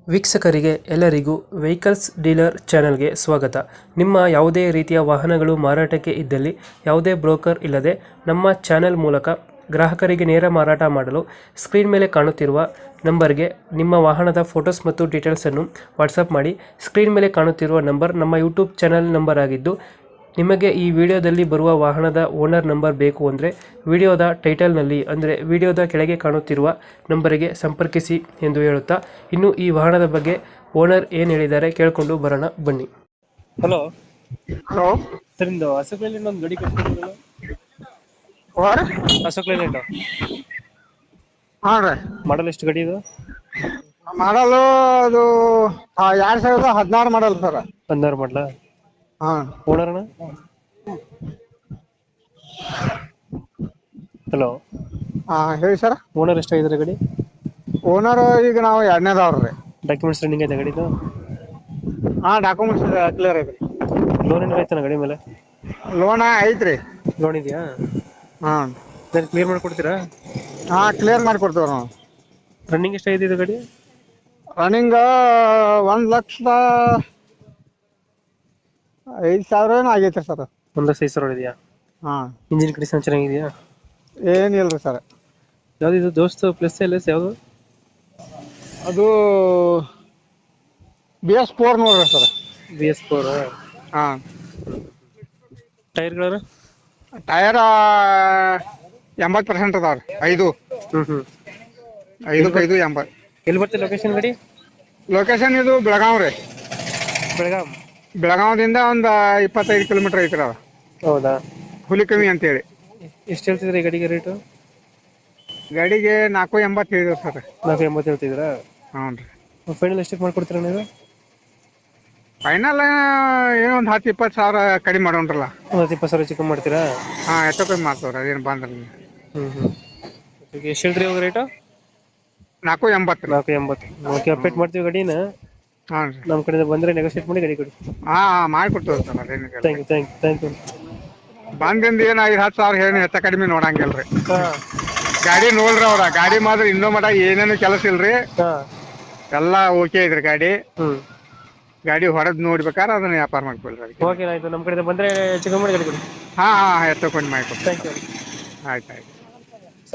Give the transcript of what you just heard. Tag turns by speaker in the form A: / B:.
A: ವೀಕ್ಷಕರಿಗೆ ಎಲ್ಲರಿಗೂ vehicles dealer ಚಾನೆಲ್ಗೆ ಸ್ವಾಗತ. ನಿಮ್ಮ ಯಾವುದೇ ರೀತಿಯ ವಾಹನಗಳು ಮಾರಾಟಕ್ಕೆ ಇದ್ದಲ್ಲಿ ಯಾವುದೇ ಬ್ರೋಕರ್ ಇಲ್ಲದೆ ನಮ್ಮ ಚಾನೆಲ್ ಮೂಲಕ ಗ್ರಾಹಕರಿಗೆ ನೇರ ಮಾರಾಟ ಮಾಡಲು ಸ್ಕ್ರೀನ್ ಮೇಲೆ ಕಾಣುತ್ತಿರುವ ನಂಬರ್ಗೆ ನಿಮ್ಮ ವಾಹನದ ಫೋಟೋಸ್ ಮತ್ತು ಡೀಟೇಲ್ಸನ್ನು ವಾಟ್ಸಪ್ ಮಾಡಿ. ಸ್ಕ್ರೀನ್ ಮೇಲೆ ಕಾಣುತ್ತಿರುವ ನಂಬರ್ ನಮ್ಮ ಯೂಟ್ಯೂಬ್ ಚಾನೆಲ್ ನಂಬರ್ ಆಗಿದ್ದು, ನಿಮಗೆ ಈ ವಿಡಿಯೋದಲ್ಲಿ ಬರುವ ವಾಹನದ ಓನರ್ ನಂಬರ್ ಬೇಕು ಅಂದರೆ ವಿಡಿಯೋದ ಟೈಟಲ್ನಲ್ಲಿ ಅಂದರೆ ವಿಡಿಯೋದ ಕೆಳಗೆ ಕಾಣುತ್ತಿರುವ ನಂಬರಿಗೆ ಸಂಪರ್ಕಿಸಿ ಎಂದು ಹೇಳುತ್ತಾ, ಇನ್ನು ಈ ವಾಹನದ ಬಗ್ಗೆ ಓನರ್ ಏನು ಹೇಳಿದ್ದಾರೆ ಕೇಳಿಕೊಂಡು ಬರೋಣ ಬನ್ನಿ. ಹಲೋ
B: ಹಲೋ
A: ಸರ್, ಇಂದು ಅಶೋಕ್ ಲೇಲ್ಯಾಂಡ್ ಒಂದು ಗಾಡಿ ಕಟ್ಕೊಂಡಿರಲ್ಲ,
B: ಓರ್
A: ಅಶೋಕ್ ಲೇಲ್ಯಾಂಡ್
B: ಹಾಂ ರೀ.
A: ಮಾಡಲ್ ಎಷ್ಟು ಗಾಡಿ ಇದು?
B: ಮಾಡಲು ಅದು 2016 ಮಾಡಲ್ ಸರ್.
A: 16 ಮಾಡಲ.
B: ಹಾಂ.
A: ಓನರ್ ಅಣ್ಣ? ಹಲೋ,
B: ಹಾಂ ಹೇಳಿ ಸರ್.
A: ಓನರ್ ಎಷ್ಟಾಗಿದ್ದಾರೆ ಗಾಡಿ?
B: ಓನರ್ ಈಗ ನಾವು 2ನೇದವ್ರು ರೀ.
A: ಡಾಕ್ಯುಮೆಂಟ್ಸ್ ರನ್ನಿಂಗ್ ಐತೆ ಗಾಡಿದು?
B: ಹಾಂ, ಡಾಕ್ಯುಮೆಂಟ್ಸ್ ಕ್ಲಿಯರ್ ಐತ್ರಿ.
A: ಲೋನ್ ಏನಾರ ಐತನ ಗಾಡಿ ಮೇಲೆ?
B: ಲೋನ್ ಐತ್ರಿ.
A: ಲೋನ್ ಇದೆಯಾ?
B: ಹಾಂ.
A: ಕ್ಲಿಯರ್ ಮಾಡಿಕೊಡ್ತೀರಾ?
B: ಹಾಂ, ಕ್ಲಿಯರ್ ಮಾಡಿ ಕೊಡ್ತೇವೆ ನಾವು.
A: ರನ್ನಿಂಗ್ ಎಷ್ಟಾಗಿದೆ ಇದು ಗಾಡಿ?
B: ರನ್ನಿಂಗ್ 1,05,000 ಏನೋ ಆಗೈತೆ ಸರ್.
A: 1,05,000 ಇದೆಯಾ?
B: ಹಾಂ.
A: ಇಂಜಿನ್ ಕಂಡೀಷನ್ ಚೆನ್ನಾಗಿದೆಯಾ?
B: ಏನಿಲ್ಲ ರೀ ಸರ್.
A: ಯಾವ್ದು ಇದು ದೋಸ್ತ್ ಪ್ಲಸ್ ಎಲ್ ಎಸ್ ಯಾವುದು?
B: ಅದು BS4 ನೋಡ್ರಿ ಸರ್.
A: BS4.
B: ಹಾಂ.
A: ಟೈರ್ಗಳು?
B: ಟಯರ್ 80% ಅದಾವ್ರಿ. 5
A: ಹ್ಮ್
B: 5 80.
A: ಎಲ್ಲಿ ಬರ್ತದೆ ಲೊಕೇಶನ್ ಗಾಡಿ?
B: ಲೊಕೇಶನ್ ಇದು ಬೆಳಗಾವ್ ರೀ. ಬೆಳಗಾವದಿಂದ ಒಂದು 25 ಕಿಲೋಮೀಟರ್ ಐತ್ರಿ. ಅದು
A: ಹೌದಾ?
B: ಹುಲಿಕಮ್ಮಿ ಅಂತೇಳಿ.
A: ಎಷ್ಟು ಹೇಳ್ತಿದ್ರಿ ಗಾಡಿಗೆ ರೇಟು?
B: ಗಾಡಿಗೆ 480 ಹೇಳಿದ್ರು ಸರ್.
A: 480 ಹೇಳ್ತಿದ್ದೀರಾ?
B: ಹ್ಞೂ ರೀ.
A: ಫೈನಲ್ ಎಷ್ಟಕ್ಕೆ ಮಾಡ್ಕೊಡ್ತೀರಾ ನೀವು?
B: ಫೈನಲ್ ಏನೋ ಒಂದು 10-20 ಸಾವಿರ ಕಡಿಮೆ ಮಾಡೋಣ್ರಲ್ಲ.
A: ಒಂದು 20,000 ಚಿಕನ್ ಮಾಡ್ತೀರಾ?
B: ಹಾಂ, ಹೆಚ್ಚು ಕಮ್ಮಿ ಮಾಡ್ತವ್ರಿ. ಅದೇನು ಬಂದ್ರೆ
A: ಎಷ್ಟು ಹೇಳ್ತೀರಿ ಇವಾಗ ರೇಟು?
B: 480.
A: 480. ಓಕೆ, ಅಪ್ಡೇಟ್ ಮಾಡ್ತೀವಿ ಗಾಡಿನ.
B: ಹಾಂ ರೀ.
A: ನಮ್ಮ ಕಡೆಯಿಂದ ಬಂದರೆ ನೆಗೋಷಿಯೇಟ್ ಮಾಡಿ ಗಾಡಿ ಕೊಡಿ.
B: ಹಾಂ, ಮಾಡಿಕೊಡ್ತೇವೆ ಸರ್. ಅದೇನು
A: ಥ್ಯಾಂಕ್ ಯು.
B: ಬಂದಿಂದ ಏನು 5-10 ಸಾವಿರ ಏನು ಹೆಚ್ಚು ಕಡಿಮೆ ನೋಡಂಗಿಲ್ಲ ರೀ.
A: ಹಾಂ.
B: ಗಾಡಿ ನೋಡ್ರಿ ಅವ್ರ ಗಾಡಿ ಮಾತ್ರ ಇನ್ನೂ ಮಟ ಏನೇನು ಕೆಲಸ ಇಲ್ರಿ.
A: ಹಾಂ,
B: ಎಲ್ಲ ಓಕೆ ಐತ್ರಿ ಗಾಡಿ.
A: ಹ್ಞೂ.
B: ಗಾಡಿ ಹೊಡೆದ್ ನೋಡ್ಬೇಕಾದ್ರೆ ಅದನ್ನ ವ್ಯಾಪಾರ ಮಾಡ್ಕೊಳ್ರಿ.
A: ಓಕೆ, ಆಯಿತು. ನಮ್ಮ ಕಡೆಯಿಂದ ಬಂದರೆ ಚಿಕನ್ ಮಾಡಿ ಗಾಡಿ ಕೊಡಿ.
B: ಹಾಂ, ಹೆಚ್ಚು ಕಡಿಮೆ ಮಾಡಿಕೊಡ್ರಿ.
A: Thank you.
B: ಆಯ್ತು.